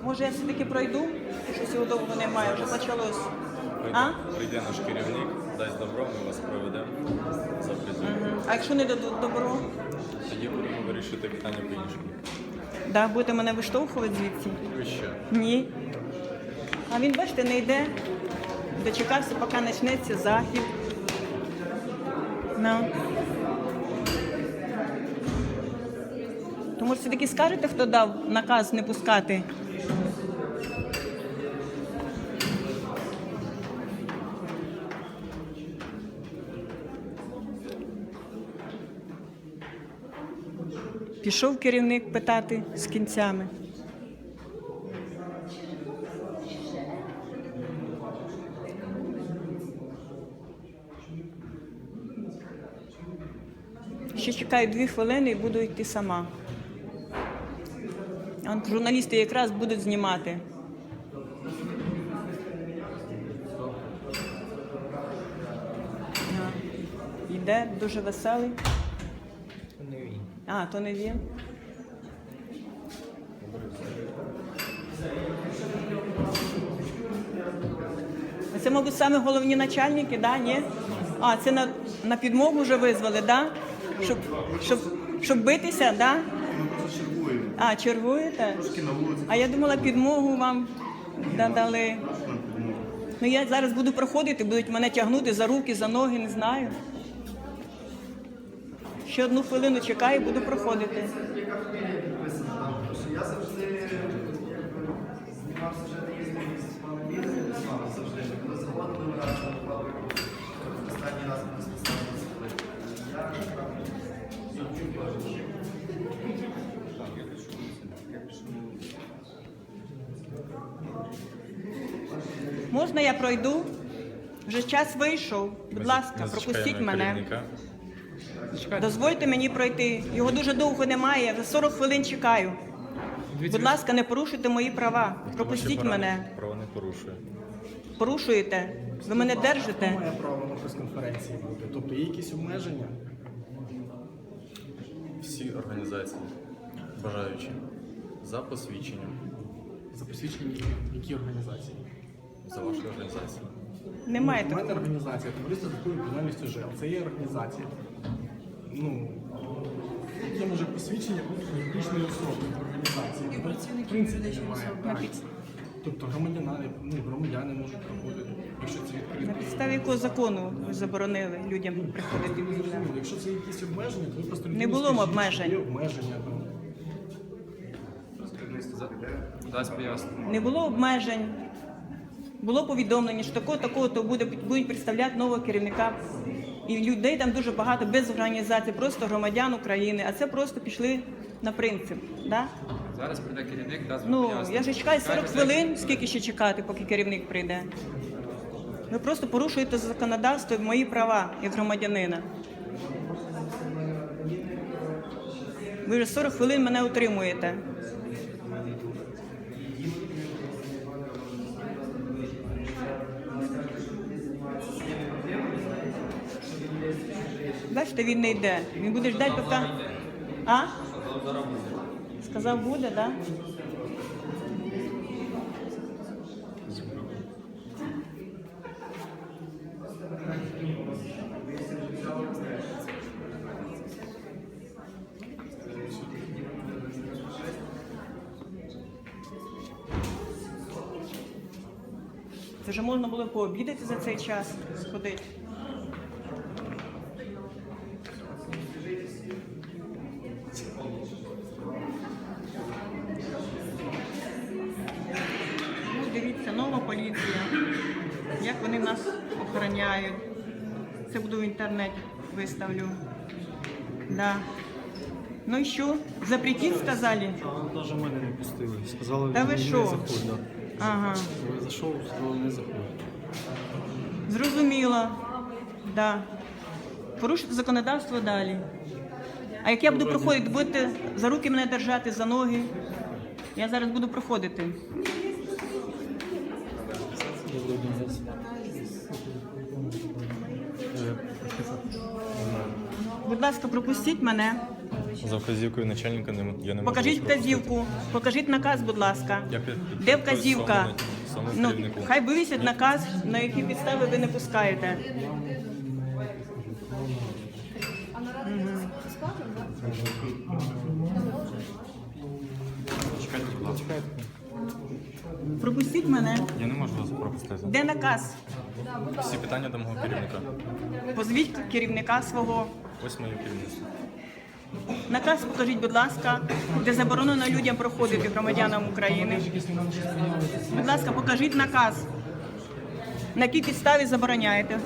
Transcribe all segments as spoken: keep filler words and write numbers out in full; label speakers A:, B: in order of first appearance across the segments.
A: Може, я все-таки пройду? Щось його довго немає, вже почалось.
B: Прийде, прийде наш керівник, дасть добро, ми вас проведемо, запрацюємо.
A: Угу. А якщо не дадуть добро?
B: Тоді будемо вирішити питання по-іншому.
A: Да, будете мене виштовхувати звідси?
B: Ви що?
A: Ні. А він, бачите, не йде. Дочекався, поки почнеться захід. Ну. Тому все-таки скажете, хто дав наказ не пускати? Пішов керівник питати з кінцями. Ще чекаю дві хвилини і буду йти сама. А журналісти якраз будуть знімати. А, йде, дуже веселий.
B: Не він.
A: А, то не він. Це, мабуть, саме головні начальники, да? Ні? А, це на, на підмогу вже визвали, да? Щоб, щоб, щоб битися, да? А, чергуєте? А я думала, підмогу вам дали. Ну, я зараз буду проходити, будуть мене тягнути за руки, за ноги, не знаю. Ще одну хвилину чекаю, буду проходити.
C: Я завжди знімав сюжети різних з вами відео, з вами завжди. Коли заходили, ми разом випали. Останній раз ми списали з Я чуть бачу.
A: Можна я пройду? Вже час вийшов. Будь ласка, пропустіть мене. Дозвольте мені пройти. Його дуже довго немає, я за сорок хвилин чекаю. Будь ласка, не порушуйте мої права. Пропустіть мене.
B: Право не порушує.
A: Порушуєте? Ви мене держите?
D: Має право на прес-конференції бути. Тобто є якісь обмеження?
B: Всі організації, бажаючі, за посвідченням,
D: За посвідчення які, які організації?
B: за вашу організацію.
A: Немає
D: У мене
A: такого.
D: організація товариство з такою відповідальністю ЖЕЛ. Це є організація. Ну, яке може посвідчення бути юридичної особи організації? Ну, в принципі, немає. Так. Тобто громадяни, ну, громадяни можуть проходити, якщо це
A: На
D: відкрито.
A: підставі якого закону ви заборонили людям приходити в
D: Ну,
A: Вільно?
D: якщо це якісь обмеження, то ви просто
A: Не
D: людині
A: було
D: скажіть,
A: обмежень.
D: що Є обмеження. Там.
B: Дасть пояснення.
A: Не було обмежень. Було повідомлення, що такого, такого, то буде, будуть представляти нового керівника. І людей там дуже багато, без організації, просто громадян України. А це просто пішли на принцип. Да?
E: Зараз прийде керівник, дасть
A: Ну,
E: пояснення.
A: я ж чекаю сорок
E: Скаже,
A: хвилин, скільки ще чекати, поки керівник прийде. Ви просто порушуєте законодавство і мої права як громадянина. Ви вже сорок хвилин мене утримуєте. Бачите, він не йде. Він буде ждати, поки... А? Сказав, буде, так? Да? Це вже можна було пообідати за цей час, сходити. Ну, дивіться, нова поліція. Як вони нас охороняють. Це буду в інтернеті виставлю. Да. Ну і що? Запретіть, сказали?
F: Навіть мене не пустили. Сказали,
A: Та ви
F: не
A: що?
F: заходь. Да.
A: Ага.
F: Я зайшов, сказали, не заходь.
A: Зрозуміло. Да. Порушити законодавство далі. А як я буду проходити, будете за руки мене держати, за ноги. Я зараз буду проходити. Будь ласка, пропустіть мене.
B: За вказівкою начальника не, я не можу
A: Покажіть
B: вас пропустити.
A: вказівку, покажіть наказ, будь ласка.
B: Я під- під-
A: Де
B: під-
A: вказівка?
B: самому- самому
A: Ну,
B: керівнику.
A: хай вивісять наказ, на які підстави ви не пускаєте.
B: Чекайте, будь ласка.
A: Пропустіть мене.
B: Я не можу вас пропустити.
A: Де наказ?
B: Всі питання до мого керівника.
A: Позвіть керівника свого.
B: Ось моє керівництво.
A: Наказ покажіть, будь ласка, де заборонено людям проходити, громадянам України. Будь ласка, покажіть наказ. На якій підставі забороняєте?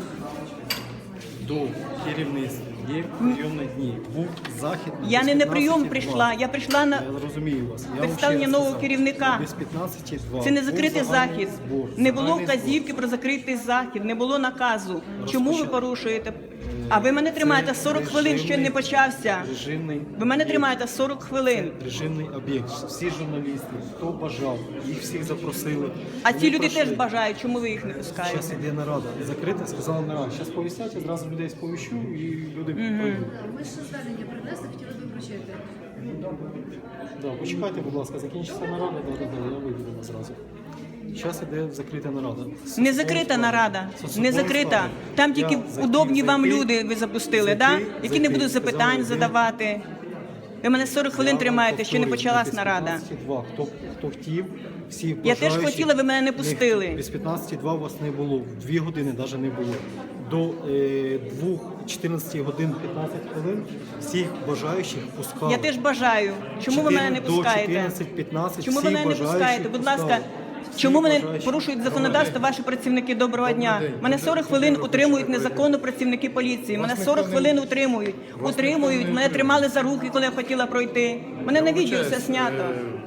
F: До керівництва є прийомні дні. Був захід.
A: Я
F: без
A: не на прийом
F: п'ятнадцяти
A: прийшла,
F: два.
A: я прийшла на
F: Я розумію вас. Я вам
A: представлення
F: ще раз
A: нового
F: сказав.
A: керівника.
F: Без п'ятнадцяти два.
A: Це не
F: Був
A: закритий
F: загальний
A: захід.
F: збор.
A: Не було
F: Загальний збор.
A: вказівки про закритий захід, не було наказу. Чому ви
F: Розпочат-
A: порушуєте? А ви мене тримаєте сорок хвилин, ще не почався.
F: Режимний
A: Ви мене
F: об'єкт.
A: тримаєте сорок хвилин.
F: Режимний об'єкт. Всі журналісти, хто бажав, їх всіх запросили.
A: А
F: Вони
A: ці люди
F: пройшли.
A: теж бажають, чому ви їх не пускаєте?
F: Зараз іде нарада. Закрита, сказала нарада. Зараз повісять, одразу людей сповіщу і люди прийдуть.
G: Ми ще звернення принесли, хотіли б вручити.
F: Да, почекайте, будь ласка, закінчиться нарада, да, да, да, я вийду зразу. Зараз іде закрита нарада.
A: Не закрита нарада, не закрита. Там тільки удобні вам люди ви запустили, да? які не будуть запитань задавати. Ви мене сорок хвилин тримаєте, ще не почалась нарада.
F: Хто, хто хотів, всі
A: Я теж
F: бажаючі,
A: хотіла, ви мене не пустили.
F: Без п'ятнадцяти два у вас не було, в дві години навіть не було. До е, двох чотирнадцяти годин п'ятнадцять хвилин всіх бажаючих пускали.
A: Я теж бажаю. Чому ви мене не
F: До
A: пускаєте?
F: чотирнадцять п'ятнадцять
A: Чому ви
F: всіх
A: мене не
F: бажаючих
A: пускаєте? Будь ласка,
F: пускали.
A: чому
F: Всі
A: мене
F: бажаючі.
A: порушують законодавство ваші працівники? Доброго дня. Мене сорок хвилин утримують незаконно працівники поліції. Мене сорок хвилин утримують. Утримують, мене тримали за руки, коли я хотіла пройти. Мене на відео все знято.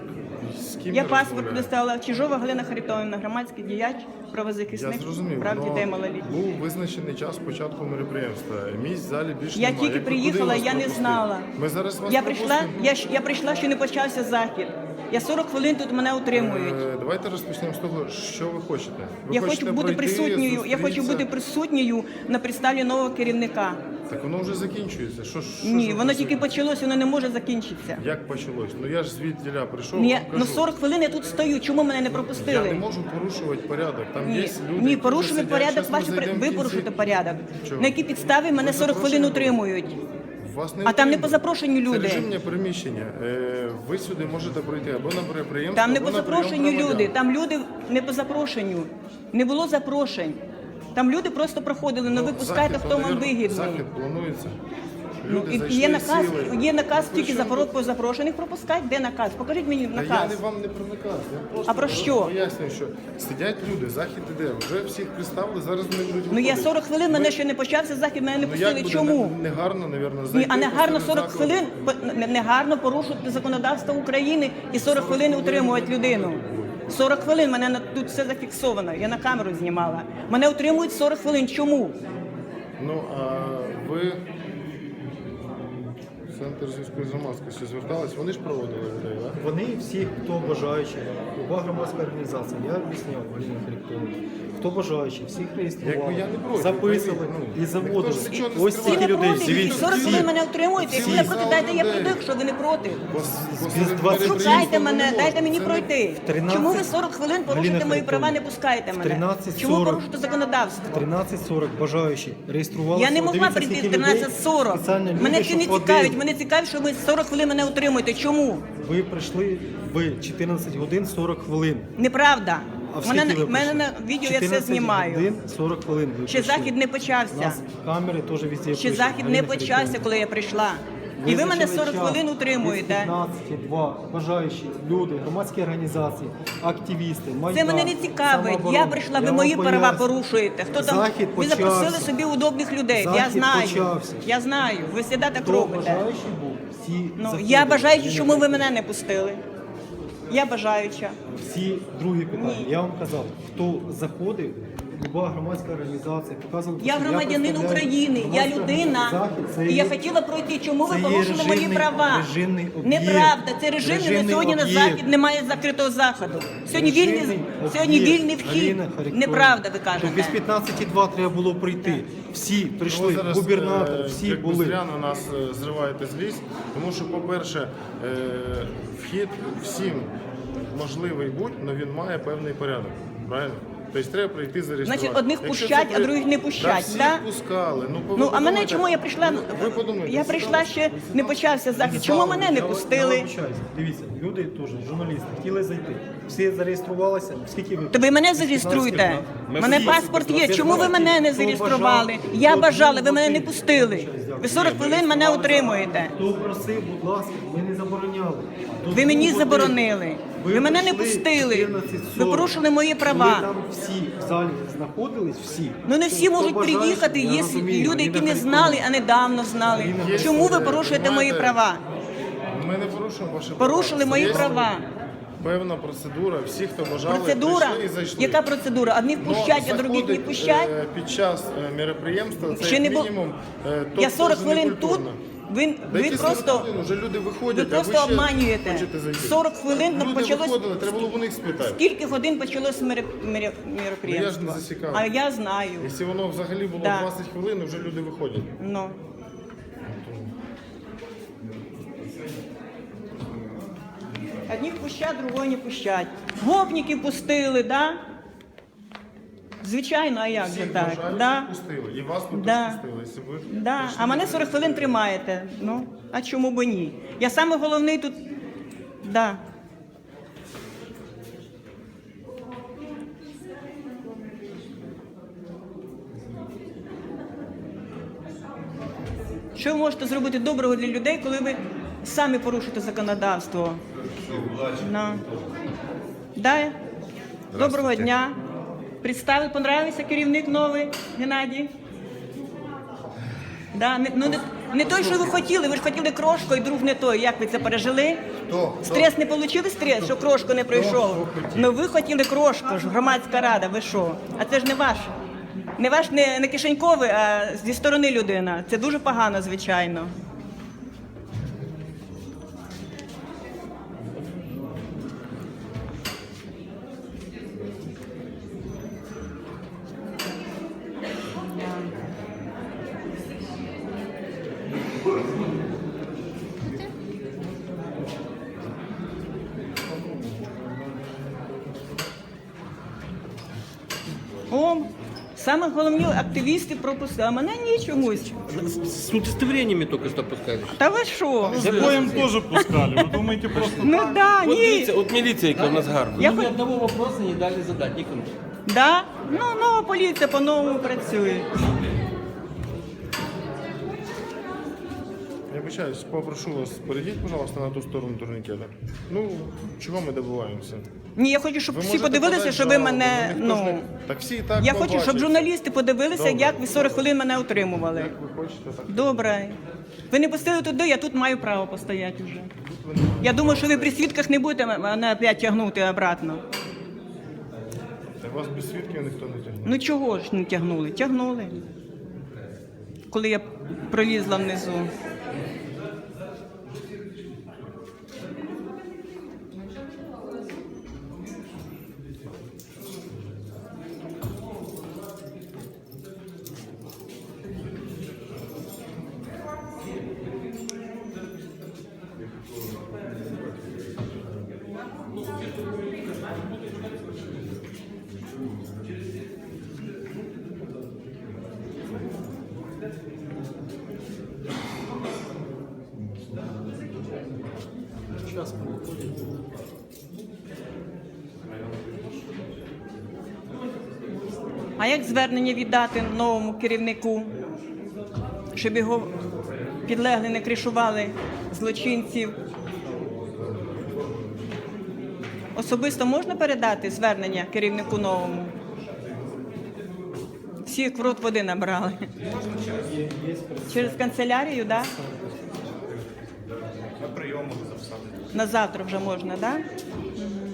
A: Я паспорт доставила. Чижова Галина Харитонівна, громадський діяч,
H: Я
A: правозахисник,
H: зрозумів,
A: прав дітей
H: но
A: малолітніх.
H: був визначений час початку мероприємства. Місць в залі більше
A: Я
H: немає.
A: тільки
H: Як ви
A: приїхала,
H: куди
A: я
H: вас
A: не
H: пропустити?
A: знала.
H: Ми зараз вас
A: Я прийшла,
H: пропустимо.
A: я, ж- я прийшла, ще не почався захід. Я сорок хвилин тут мене утримують.
H: Е, Давайте розпочнемо з того, що ви хочете. Ви
A: Я
H: хочете
A: хочу бути
H: пройти,
A: присутньою. Я хочу
H: зустрітися?
A: бути присутньою на представі нового керівника.
H: Так воно вже закінчується. Що, ж- що
A: Ні,
H: ж ви
A: воно тільки
H: присутні?
A: почалось, воно не може закінчитися.
H: Як почалось? Ну я ж звідтіля прийшов,
A: Ні,
H: вам
A: ну
H: кажу.
A: сорок хвилин я тут стою. Чому мене не
H: Я не
A: пропустили?
H: можу порушувати порядок. Там є
A: Ні,
H: люди,
A: ні,
H: які
A: порушуємо
H: вже сидять.
A: порядок.
H: Щас ми
A: Ваші при-
H: зайдемо в
A: ви
H: кінці.
A: порушуєте порядок.
H: Чого?
A: На якій підставі мене
H: Ви
A: сорок хвилин
H: запрошені
A: утримують?
H: Вас не
A: А там не
H: утримують.
A: по запрошенню люди.
H: Це режимне приміщення. Е, Ви сюди можете пройти або на мероприємство,
A: Там не
H: або
A: по
H: на прийом
A: запрошенню
H: громадян.
A: люди. Там люди не по запрошенню. Не було запрошень. Там люди просто проходили. Ну ви пускайте,
H: Захід,
A: хто вам
H: навірно,
A: вигідний.
H: Захід планується.
A: Ну,
H: Люди
A: і
H: зайшли,
A: є наказ,
H: сіли.
A: є наказ
H: Ви
A: тільки
H: що?
A: за по запрошених пропускати. Де наказ? Покажіть мені
H: Та я
A: наказ.
H: не вам не про наказ. Я просто
A: А про що?
H: пояснюю, що сидять люди, захід іде. Вже всіх представили, зараз вони будуть
A: Ну я
H: виходити.
A: сорок хвилин, мене ще не почався захід, мене не
H: Ну
A: пустили.
H: як буде
A: Чому?
H: не, не гарно, навірно,
A: Ні,
H: зайти
A: а не гарно
H: посеред
A: сорок
H: закладу?
A: хвилин, по- не, не гарно порушувати законодавство України і сорок хвилин утримувати людину. сорок хвилин, мене на- тут все зафіксовано, я на камеру знімала. Мене утримують сорок хвилин. Чому?
H: Ну, а ви Центр зв'язку з громадськістю звертались, вони ж проводили людей, так?
F: Вони всі, хто бажаючий, люба громадська організація, я об'ясняв, Галина Харитонівна, хто бажаючий, всіх реєстрували,
H: Якби я не проти,
F: записували
H: пойміть, ну,
F: і заводили.
H: ніхто ж нічого не
F: Ось
A: Всі
H: скриває.
F: стільки
A: не
F: людей,
A: проти, і
F: дивіться,
A: сорок
F: всі.
A: хвилин мене утримуєте. Якщо ви не
H: всі
A: проти,
H: зал
A: дайте я
H: людей.
A: пройду, якщо ви не проти.
H: Посеред
F: двадцять
H: мероприємства
A: Шукайте
H: не
A: мене,
H: можна.
A: дайте мені
H: Це не-
A: пройти.
F: тринадцять
A: Чому ви сорок хвилин порушуєте
F: Галина
A: мої права, не
F: Харитонівна,
A: пускаєте
F: в
A: мене?
F: тринадцять
A: Чому
F: сорок
A: порушуєте законодавство?
F: тринадцять сорок бажаючі реєструвалися.
A: Я не могла
F: Дивіться,
A: прийти
F: скільки
A: в
F: людей,
A: тринадцять сорок.
F: спеціально люди,
A: Мене це
F: щоб
A: не
F: ходили.
A: цікавить. Мене цікавить, що ви сорок хвилин мене утримуєте. Чому?
F: Ви прийшли в чотирнадцять годин сорок хвилин.
A: Неправда.
F: А в
A: Мене,
F: скільки ви
A: на- мене
F: прийшли?
A: на відео я все
F: чотирнадцять
A: знімаю.
F: годин сорок хвилин ви
A: Ще
F: прийшли.
A: захід не
F: У
A: почався.
F: нас камери теж везде
A: Ще
F: пишуть.
A: захід не
F: Галина
A: почався,
F: Харитонівна.
A: коли я прийшла. І ви мене
F: Визначили
A: сорок
F: час.
A: хвилин
F: Без
A: утримуєте.
F: п'ятнадцять два бажаючі люди, громадські організації, активісти, Майдан,
A: Це мене не цікавить.
F: самооборона.
A: Я прийшла, ви
F: вам
A: мої права
F: поясню.
A: порушуєте. Хто там?
F: Захід
A: Ви запросили
F: почався.
A: собі удобних людей. Я
F: Захід
A: знаю.
F: почався.
A: Я знаю. Ви завжди так
F: Хто
A: робите.
F: бажаючий був, всі
A: Ну,
F: заходили.
A: я бажаючи,
F: Галина
A: чому ви
F: Харитонівна.
A: мене не пустили? Я бажаюча.
F: Всі другі питання. Я вам казав, хто заходив, люба громадська організація показувала,
A: Я
F: що
A: громадянин
F: представляю
A: України, я
F: громадську
A: людина.
F: захід, це
A: І я
F: є-
A: хотіла пройти. Чому ви
F: це є
A: порушили мої
F: режимний-
A: права?
F: режимний об'єкт.
A: Неправда, це режимний. На
F: Режимний
A: сьогодні на
F: об'єкт.
A: захід немає закритого заходу. Сьогодні вільний,
F: Режимний
A: сьогодні
F: об'єкт.
A: вільний вхід.
F: Аліна Харитонівна,
A: Неправда, ви
F: то
A: кажете.
F: без п'ятнадцяти два треба було прийти. Всі
H: Ви
F: прийшли,
H: зараз,
F: губернатор,
H: е,
F: всі
H: як
F: були.
H: зря на нас е, зриваєте злість, тому що, по-перше, е, вхід всім можливий будь, але він має певний порядок. Правильно? Тобто треба прийти зареєструвати.
A: Значить, одних
H: Якщо
A: пущать,
H: це
A: а
H: при-
A: других не пущать,
H: Та всіх
A: да?
H: пускали. Ну, ви
A: Ну, а мене
H: подумайте.
A: чому я прийшла?
H: Ви, ви подумайте.
A: Я прийшла ще не почався захід. Чому мене не
F: Я
A: пустили?
F: вибачаюсь. Дивіться, люди теж, журналісти, хотіли зайти. Всі зареєструвалися. Скільки ви?
A: То ви мене зареєструйте. У мене паспорт є. Чому ви мене не зареєстрували? Я бажала, ви мене не пустили. Ви сорок хвилин мене утримуєте.
F: Хто просив, будь ласка, ми не забороняли. До
A: Ви мені
F: двох
A: заборонили.
F: годин.
A: Ви мене не
F: прийшли
A: пустили.
F: чотирнадцять
A: Ви
F: сорок.
A: порушили мої права.
F: Коли там всі в залі знаходились, всі.
A: Ну не всі
F: Хто
A: можуть
F: бажає,
A: приїхати.
F: я
A: Є
F: розумію,
A: люди, які
F: Аліна
A: не знали,
F: Харитонівна.
A: а недавно знали.
H: Є,
A: Чому ви
H: е,
A: порушуєте мої
H: знаєте,
A: права?
H: Ми не порушуємо ваші права.
A: Порушили мої
H: Є
A: права.
H: Певна процедура. Всі, хто бажали,
A: Процедура?
H: прийшли і зайшли.
A: Яка процедура? Одних
H: Но
A: пущать, а других не
H: заходить,
A: пущать?
H: е, Під час е, мероприємства це
A: Ще
H: як
A: не було.
H: мінімум. е, то
A: Я сорок
H: дуже
A: хвилин тут.
H: некультурно.
A: Ви,
H: Да
A: ви
H: які сорок
A: просто
H: хвилин? Уже люди
A: ви
H: виходять,
A: просто
H: а ви ще
A: обманюєте.
H: хочете зайти.
A: сорок хвилин
H: Люди
A: почалось.
H: виходили, треба було в них спитати.
A: Скільки годин почалось мере- мере- мероприємство?
H: Ну, я ж не засікав.
A: А я знаю.
H: Якщо воно взагалі було
A: Да.
H: двадцять хвилин, вже люди виходять.
A: Ну. Одних пущать, другого не пущать. Гопників пустили, да? Звичайно, а як же
H: Всіх
A: так?
H: бажаючих
A: Да?
H: пустили. І вас тут
A: Да.
H: теж пустили. Якщо ви
A: Да.
H: прийшли
A: А мене
H: на
A: сорок хвилин тримаєте. Ну, а чому б ні? Я саме головний тут. Да. Що ви можете зробити доброго для людей, коли ви самі порушите законодавство? Ну. Да. Доброго дня. Представили, понравився керівник новий, Геннадій? Да, не, ну, не, не той, що ви хотіли, ви ж хотіли крошку, і друг не той. Як ви це пережили?
H: Хто?
A: Стрес не отримали стрес, що крошку не пройшов? Ну ви хотіли крошку, ж громадська рада, ви що? А це ж не ваш. Не ваш, не, не кишеньковий, а зі сторони людина. Це дуже погано, звичайно. О, саме головні активісти пропустили, а мене ні чомусь.
I: С удостоверениями только что пускали.
A: Та ви що?
J: Запоем тоже пускали. Вы думаете, просто
A: Ну да,
I: Вот
A: ні.
I: дивіться, от міліція, яка в нас гарна.
A: Я
I: Ну,
A: хоч-
I: ні одного вопроса не дали задати нікому.
A: Да? Ну, нова поліція по-новому працює.
H: Я вибачаюсь, попрошу вас, перейдіть, пожалуйста, на ту сторону турнікета. Ну, чого ми добиваємося?
A: Ні, я хочу, щоб
H: Ви
A: всі
H: можете
A: подивилися,
H: подати
A: що ви
H: жалобу,
A: мене.
H: ну, ніхто ж
A: Ну
H: не- Так всі і так
A: я хочу, щоб
H: побачать.
A: журналісти подивилися,
H: Добре.
A: як ви сорок хвилин мене утримували.
H: Як ви хочете, так.
A: Добре. Ви не пустили туди, я тут маю право постояти вже. Я думаю, що ви при свідках не будете мене опять тягнути обратно.
H: Та вас без свідків ніхто не тягне.
A: Ну чого ж не тягнули? Тягнули. Коли я пролізла внизу. А як звернення віддати новому керівнику, щоб його підлегли не кришували злочинців? Особисто можна передати звернення керівнику новому? Всі як в рот води набрали. Через канцелярію, так? Да?
H: На прийом можу записати.
A: На завтра вже можна, так? Да?